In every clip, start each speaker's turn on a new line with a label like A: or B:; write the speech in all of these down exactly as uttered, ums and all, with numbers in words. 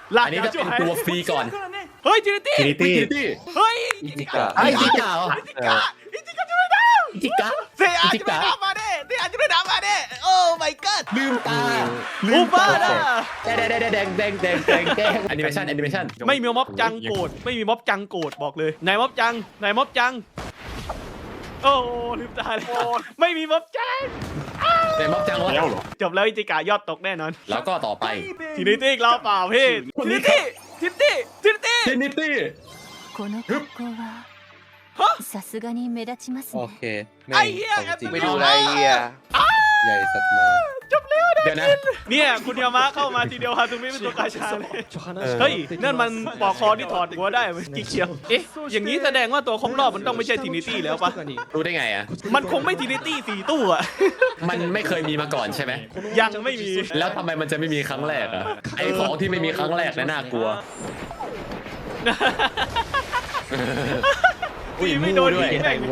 A: อันนี้ก็เป็นตัวฟรีก่อน
B: เฮ้ยจินิตี้
C: ทรินิตี้
A: ตี้
B: เฮ้ย
D: อิจิกะ
A: ไอ้จิกาเหรอ
B: อิจิกะอิจิกะช่วยดาว
A: จิกา
B: เซอาจะไม่ดาวมาเด้เซอาจะไม่ดาวมาเด้โอ้ my god
A: ลืมตา
B: อูบ้าน่ะ
A: แดงแดงแดงแดงแดงแดงแดงแอนิเมชันแอนิเมชัน
B: ไม่มีม็อบจังโกรธไม่มีม็อบจังโกรธบอกเลยนายม็อบจังนายม็อบจังโอ้ลืมตาเลยไม่มีม็อบจัง
A: แต่ม็อบจังวะ
C: แล้วเหรอ
B: จบแล้วอิจิกะยอดตกแน่นอน
A: แล้วก็ต่อไป
B: ทีนิตี้เราเปล่าพี่ทีนิตี้ทีนิตี้ทีนิตี้
A: ทรินิตี้
E: この格好はさすがに目立ちます
D: โอ
E: ね
D: เคแม่งของจริง
F: ไม่ดูอะไรเฮีย
D: ใหญ่สัตว์มา
A: เดี๋ยวนะ
B: เนี่ยคุณยามะเข้ามาทีเดียวฮาซุมิเป็นตัวกาชาเลยเฮ้ยนั่นมันปอกคอที่ถอดหัวได้มันกิ๊กเชียวเอ๊ะอย่างนี้แสดงว่าตัวครบรอบมันต้องไม่ใช่ทีนิตี้แล้วปะ
A: รู้ได้ไงอ่ะ
B: มันคงไม่ทีนิตี้สี่ตู้อะ
A: มันไม่เคยมีมาก่อนใช่ไหม
B: ยังไม่มี
A: แล้วทำไมมันจะไม่มีครั้งแรกอ่ะไอของที่ไม่มีครั้งแรกน่ะน่ากลัว
B: ตีไม่โดน
A: ด้วย
B: อีกแม่ง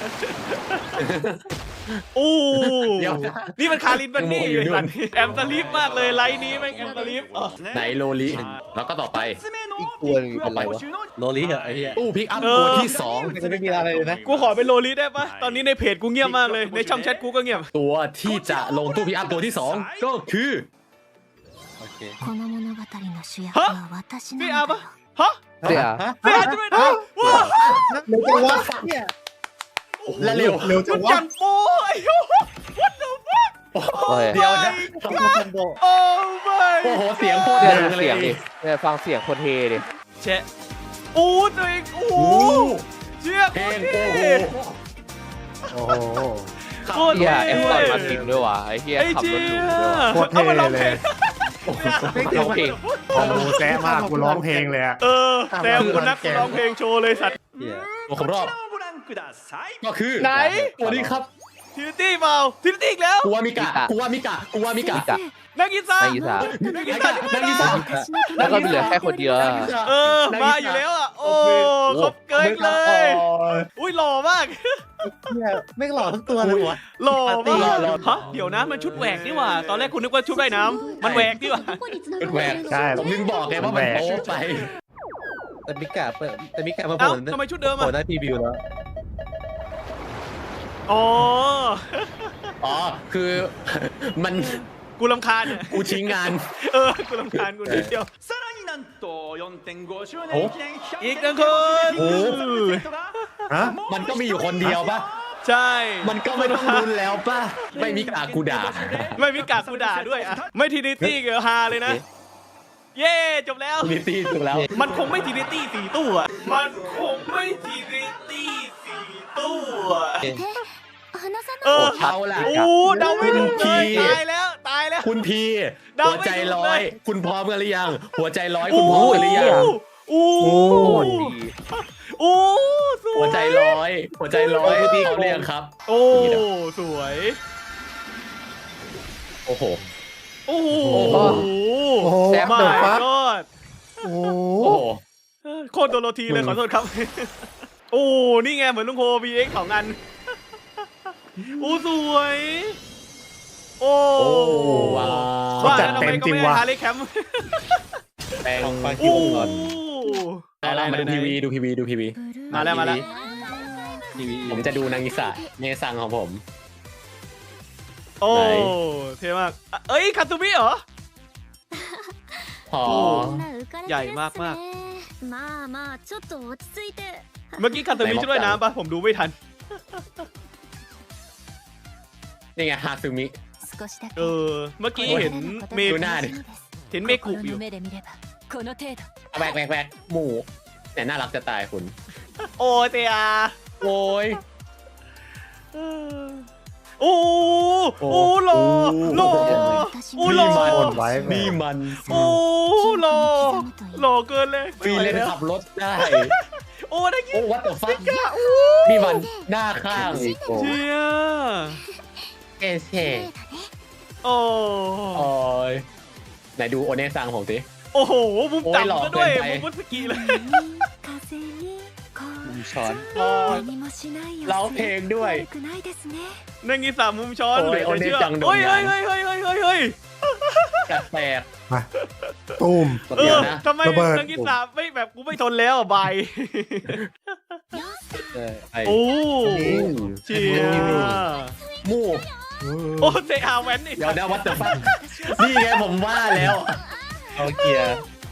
B: โอ้
A: เดี๋ยว
B: นี่มันคารินบันนี่
A: อยู่นู่น
B: แอมสลิปมากเลยไลน์นี้แม่งแอมสลิป
A: ไหนโลลิแล้วก็ต่อไป
D: อีกตัวนึงเป็นไรวะโลลิเหรอไอ้เหี้ย
A: ตู้พิกอัพตัวที่สอง
D: มันจะไม่มีอะไรเลยนะ
B: กูขอเป็นโลลิได้ปะตอนนี้ในเพจกูเงียบมากเลยในช่องแชทกูก็เงียบ
A: ตัวที่จะลงตู้พิกอัพตัวที่สองก็คือ
D: โอเค
E: この物語の主役は私なん
B: พี่
E: だ
B: อา
E: よ
B: ปะฮะ
F: เสีย
B: พี่อาจะไม่ได้ว้า
C: เร็วจังวะเนี่ย
A: และเร็ว
C: เร็วจั
B: มั
C: ง
B: น
C: วะ
B: จังโป้ไอ้โห what the fuck
F: โอ้ย
A: เดี๋ยวนะ
C: คอมโบคอมโบ
B: โอ้ my
A: โอ้โหเสียงโคตร
F: เนี่ย
A: ดั
F: ดู
A: งเล
F: เสียงดิ
A: ย
F: เนี่ยฟังเสียงคนเทดิ
B: แชะโอ้ตัวเองโอ้
A: โอ้โห
B: เชี่ย
A: เพ
B: โค
A: ล
B: ตรง
A: โอ้
B: เท่
A: โห
C: โอ้โห
B: โคตร
F: เฮีย
B: เท่
F: เอฟตอนมาตินด้วยว่ะไอ้เฮีย
B: ไอ้
F: ขับ
B: เชี่
F: รถ
B: ย
F: หรูด้วยว่ะ
C: โคตรเท่
B: อามาร้อง
C: เล
B: เพล
C: ย
B: ง
F: ร้องเพลง
C: โอ้โหแซ่มากกูร้องเพลงเลยอะ
B: เออแต่กูนักร้องเพลงโชว์เลยสัตว์
D: เหี้ย
A: ตัวครบรอบก็คือ
B: ไหน
A: ตัวนี้ครับ
B: ทีนิตี้เปล่าทีนิตี้อีกแล้ว
A: กูว่ามิกะกูว่ามิกะกูว่ามิกะ
F: กะ
B: นักกีฬา
F: นักกีฬา
B: นักกีฬา
A: นักกีฬา
F: แล้วก็เหลือแค่คนเดียวอะ
B: เออมาอยู่แล้วอ่ะโอ้ครบเกินเลย อุ้ยหล่อมาก
C: เนี่ยไม่หล่อทั้งตัวเลยวะ
B: หล่อมากฮะเดี๋ยวนะมันชุดแหวกนี่หว่า ตอนแรกคุณนึกว่าชุดว่ายน้ำมันแหวกนี่หว่า
A: เป็นแหวก
C: ใช่
A: ผมถึงบอกไงว่ามันโป๊ไป
D: แต่มิกะเปิดแต่มิกะมาโผ
B: เอ้า
D: ล่
B: ทำไมชุดเดิม
D: โผล่
B: อ่ะ
D: หน้าพรีวิวแล้ว
B: อ๋อ
A: อ๋อคือมัน
B: กูรำคาญเนี่ย
A: กูชี้งาน
B: เออกูรำคาญกูนิดเดียว
G: さらになんと よんてんご 周年
A: お
G: 記念企画
B: อีกหนึ่งคน
A: โอ้
C: ฮะ
A: มันก็มีอยู่คนเดียวป่ะ
B: ใช่
A: มันก็ไม่ต้องรุนแล้วป่ะ ไม่มีกากูด่า
B: ไม่มีกากกูด่าด้วยอ่ะไม่ทีนิตี้เกอฮาเลยนะ เย้จบแล้ว
A: มีตีถูกแล้ว
B: มันคงไม่ทีนิตี้สี่ตู้อ่ะมันคงไม่ทีนิตี้สี่ตู้อ่ะ
E: 話さ
B: เอ
E: ない
B: อ
A: เอาล่ะ
B: โอ้เดาไม่ถูกเลย
A: คุณพี่
B: ตายแล้วตายแล้ว
A: คุณพี
B: เดา
A: หัว
B: ไม่
A: ใจ
B: ถูก
A: ร้อ
B: เลย ย
A: คุณพร้อมกันหรือยัง หัวใจร้อยคุณพร้อมกันหรือยัง
B: โอ้
D: โคตรดี
B: โอ้สวย
A: หัวใจร้อย หัวใจร้อย
D: โอ้ดี
A: เขาเรียกครับ
B: โอ้สวย
A: โอ้โห
B: โอ้โห
C: โอ้โห
B: แซ่บ
C: เด
B: มา
C: อะฟัค
B: ก
C: โอ้โห
A: โอ้โห
B: โคตรโดโรธีเลยขอโทษครับ โอ้นี่ไงเหมือนลุงโค บี เอ็กซ์ ของอันโอ้สวย โอ้
A: โอ้ว้าว
C: เขาจัดเต็มจริงว่ะ
B: ฮาร์เลย์แคมป์
A: แปลง
D: ของฟังคิ
B: โอ้
D: วก่อน
A: อะไรมาดูทีวีดูทีวีดูทีวี
B: มาแล้วมาแล้ว
D: ทีวี
A: ผมจะดูนางอิสะเนซังของผม
B: โอ้
A: ไหน
B: เท่มากอ่ะเอ้ยคาตูมิเหรอ
A: พอ
B: ใหญ่มากมาก
E: まあまあちょっと落ち着いて
B: เมื่อกี้คาตูมิช่วยน้ำปะผมดูไม่ทัน
A: นี่ไงฮาซึมิ
E: 少しだけ
B: เออ เมื่อกี้เห็นเม
A: ดูหน้าดิ
B: เห็นเมคุอยู่
E: 心の目で見ればこの程度
A: แบกแบกแบกหมูเนี่ยน่ารักจะตายคุณ
B: โอ้เตีย
A: โอ้ย
B: โอ้โอ้หล่อหล่อโอ้หล่อ
C: โอนไว้แม่
A: นี่มัน
B: โอ้หล่อหล่อเกินเลย
A: ฟรีเลนขับรถได้
B: โอ้ได้
A: โอ้
B: ยิน
A: วัดต่อฟักนี่มันหน้าข้าง
D: อีโก้
B: เชีย
A: เอเช
B: โอ้
A: โอ้ยไหนดูโอเนซังผมสิ
B: โอ้โหมุม
A: โอ้ยหล่อ
B: ต่ำซะด้วย
A: เกินไป
B: มุมมุดสกีเลย
E: 風にこ
D: มีช้อน
A: โอ้ย
E: 何もしないよ
A: ร้องเพลงด้วย
E: 悪くないですね
B: นั่งกีสามมุมช้อน
A: โอ้ย
B: เหลือจะเชื่อ
A: โอเนจังโดน
B: เฮ้ย
A: งา
B: เฮ้
A: น
B: ยเฮ้ยเฮ้ยเฮ้ยเฮ้ยเฮ้ย
A: แปลก
C: ฮมาตูม
B: เอ
A: เดี๋ย
B: อ
A: วนะ
B: ทำไม
C: ระเบิด
B: นางกิสาไม่แบบกูไม่ทนแล้วอ่ะบาย
D: เออไอ้
B: โอ้
C: นี่
B: เชีย
A: มู่
B: โอ้เซอาแวนนี่
A: เดี๋ยวเดี๋ยววัดเดอะฟักนี่ไงผมว่าแล้ว
D: เอาเกียร์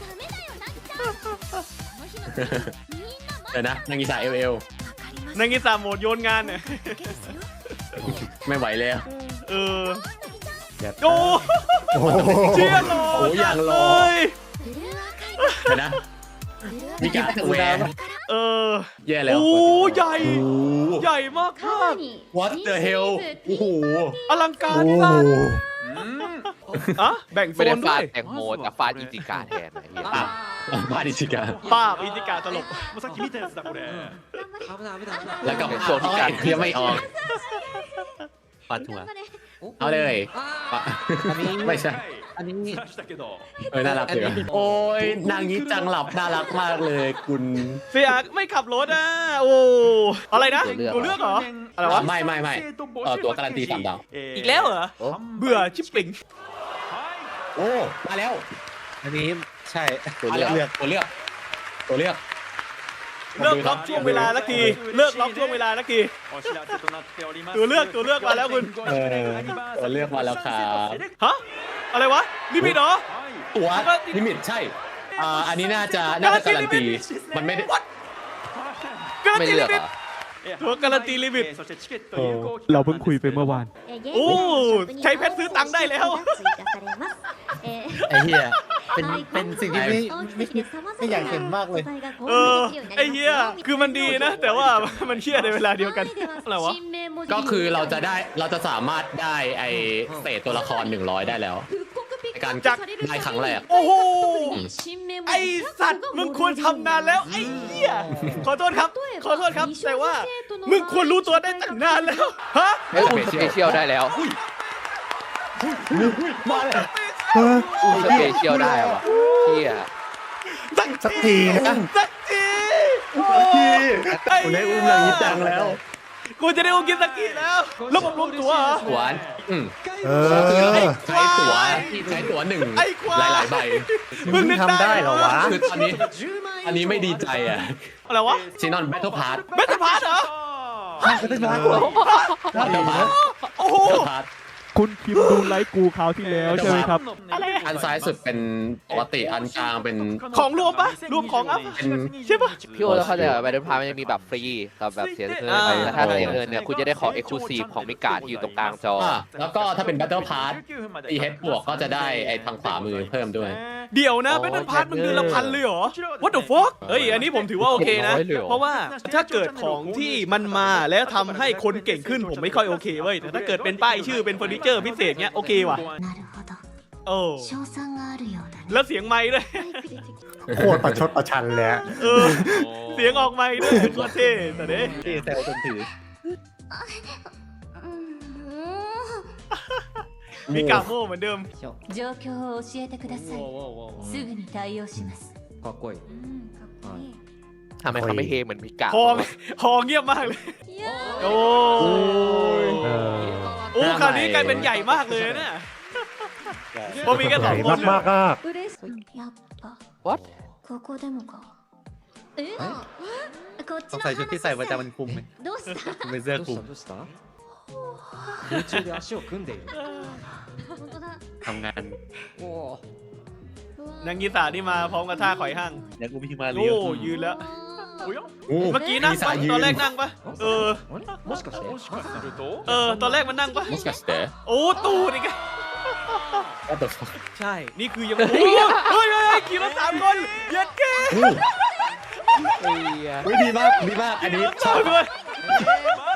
A: เดี๋ยวนะนางกีสาเอลเอล
B: นางกิสาโหมดโยนงานเนี่ย
A: ไม่ไหวแล้ว
B: เออ
C: อย่า
B: โอ้
C: โอ้โห
B: เชียหล่อ
A: โอ้อย่างหล่อ
B: เลย
A: เดี๋ยวนะมีการแหวน
B: เออ
A: แย่แล้ว
B: โอ้ใหญ่
A: โอ้
B: ใหญ่มากมาก
A: What the hell โอ้โห
B: อลังการ
C: โอ้
B: มาก
C: โห
B: อ่ะแบ่งโซ
F: ไม่ได้
B: นด้
F: ฟา
B: วย
F: ดแตงโมแต่ฟาดอิจิกาแทนไอ้เหี้ย
A: อ่ะมาดิจิกา
B: ป้าบอิจิกาตลก
G: もうさっき見たやつだこれ
A: แล้วก็โซนที่การเทียมไม่ออก
D: ปาดหัว
A: เอาเลยปะ
D: อันนี้
A: ไม่ใช่
D: อันนี้
G: 出したけど
A: เออน่ารักเลยโอ้ยนางนี้จังหลับน่ารักมากเลยคุณ
B: เฟียไม่ขับรถอ่ะ โอ้ อะไรนะตัวเลือกเหรอ อะไรวะ
A: ไม่ไม่ไม่เออตัวการันตีสามดาว
B: อีกแล้วเหรอ เบื่อชิปปิง
A: โอ้มาแล้ว
D: อันนี้ใช่
F: ตัว
A: มา
F: เลือก
A: แล้วตัวเลือกตัวเลือก
B: เลิกล็อกช่วงเวลาสักที เลิกล็อกช่วงเวลาสักที
G: お知らせとなっております
B: ตัวเลือกตัวเลือกมาแล้วคุณ
A: เออตัวเลือกมาแล้วครับ
B: ฮะ อะไรวะลิมิตเหรอ
A: ตัวลิมิตใช่อ่าอันนี้น่าจะน่าจะการันตีมันไม่ได้
B: การัน
F: ไม่
B: ตี
F: เลื
B: ลิ
F: อก
B: มิ
F: เห
B: ต
F: รอ
B: ตัวการันตีลิมิต
G: そしてチケット有効期
C: เราเพิ่งคุยไปเมื่อวาน
B: โอ้ ใช้เพชรซื้อตังค์ได้แล้ว
D: ไอ้เหี้ยเป็นเป็นสิ่งที่ไม่ไม่ไม่อยากเห็นมากเลย
B: เออ ไอ้เหี้ย คือมันดีนะ แต่ว่ามันเชี่ยในเวลาเดียวกัน อะไรวะ
A: ก็คือเราจะได้เราจะสามารถได้ไอเศษตัวละครหนึ่งร้อยได้แล้วในการ
B: จาก
A: ได้ครั้งแรก
B: โอ้โห ไอสัตว์มึงควรทำนานแล้ว ไอ้เหี้ย ขอโทษครับ ขอโทษครับ แต่ว่า มึงควรรู้ตัวได้ตั้งนานแล้ว ฮะ
F: เฮ้ยอุ้มสเปเชียลได้แล้ว
A: มาเลย
C: เออ
F: อุ้มสเปเชียลได้ว่ะเหี้ย
B: สัก
C: สักทีนะ
B: สักทีโอ้ย
A: คุณได้อุ้มนางนี้จังแล้ว
B: กูจะได้อุ้มกินสักทีแล้วแล้วผมรวมตัวเหรอ
A: หวานอืม
C: เอ
A: ก็คือเรา
C: อ
A: ใช้ตั๋วใช้ตั๋วหนึ่ง
B: ไอ้ควาย
A: หลายๆใบ
B: มึงนึก
C: ทำได้เหรอวะ
A: คือตอนนี้อันนี้ไม่ดีใจอ่ะ
B: อะไรวะ
A: ซีนอนแบทเทิลพาร์ท
B: เบสพาร์ทเหรอ
A: แบทเทิลพาร์ท
B: โอ้โห
A: พาร์ท
H: คุณคิมดูไลฟ์กูคราวที่แล้วใช่ไหมครับ
B: อะไร
A: อันซ้ายสุดเป็นปกติอันกลางเป็น
B: ของรวมปะรวมของอัพ
A: เป็น
B: ใช่ปะ
F: พี่โอแล้วเข้าใจว่าแบทเทิลพาร์มันจะมีแบบฟรีกับแบบเสียเงิน
B: อ่า
F: แต่ถ้าเสียเงินเนี่ยคุณจะได้ของเอ็กซ์คลูซีฟของมิกาที่อยู่ตรงกลางจอ
A: อ่ะแล้วก็ถ้าเป็นแบทเทิลพาร์ทตีเฮดบวกก็จะได้ไอ้ทางขวามือเพิ่มด้วย
B: เดี๋ยวนะเบสพาร์ทมึงเดือนละพันเลยเหรอ What the fuck เฮ้ย อันนี้ผมถือว่าโอเคนะ
F: ร้อยเลยเหรอ
B: เพราะว่าถ้าเกิดของที่มันมาแล้วทำให้คนเก่งขึ้นผมไม่ค่อยโอเคเว้ย แต่ถ้าเกิดเป็นป้ายชื่อเป็นเฟอร์นิเจอร์พิเศษเนี้ยโอเคว่ะ
E: なるほど
B: โอ้
E: 賞賛があるようだね
B: แล้วเสียงไม้ด้วย
C: โคตรประชดประชันเลยอะ
B: เออ เสียงออกไม้ด้วยโคตรเท่แต่เด้
D: ที่แซวจนถือ
B: มีกาโม่เหมือนเดิม
E: 状況を教えてくださいすぐに対応します
D: かっこいい
E: うんかっこいい
F: ทำไมเขาไม่เฮเหมือนมิกา
B: พอพอเงียบมากเลย โอ้ย
C: เออ
B: โอ้คราวนี้กลายเป็นใหญ่มากเลยนะเนี่ยเพราะมีแค่
C: ให
B: สอ
C: ญ่
B: งคน
C: มากๆอ่ะ
E: 嬉しいやっぱ
F: What
E: ここでもかえこっち
D: ต้อง
E: の
D: ใส่ชุดที่ใส่ประจำมันคลุมไหม
E: どうした
D: เป็นเสื้อคลุม
I: 空中で足を組んでいる
E: 本当だ
D: ทำงาน
I: おお
B: นางกีตานี่มาพร้อมกับท่าข่อยห้าง
D: ยังกูมีมาเรี
B: โอ้
D: ยว
B: ยืนแล้ว
G: おや
A: โอ้
B: เมื่อกี้นั่งปะตอนแรกนั่งปะเออ
I: あれもしかして
G: もしかすると
B: เออ ตอนแรกมันนั่งปะ
A: มสกัสเตอร์
B: โอ้ตูดอีกอะ
A: What the fuck
B: ใช่ นี่คือยังโอ้ยเฮ้ยเฮ้ยเฮ้ยขี่รถสามคนเย็ดเก้
A: เฮ้ยดีมากดีมากอันนี้ชอบ
B: เลย
G: ま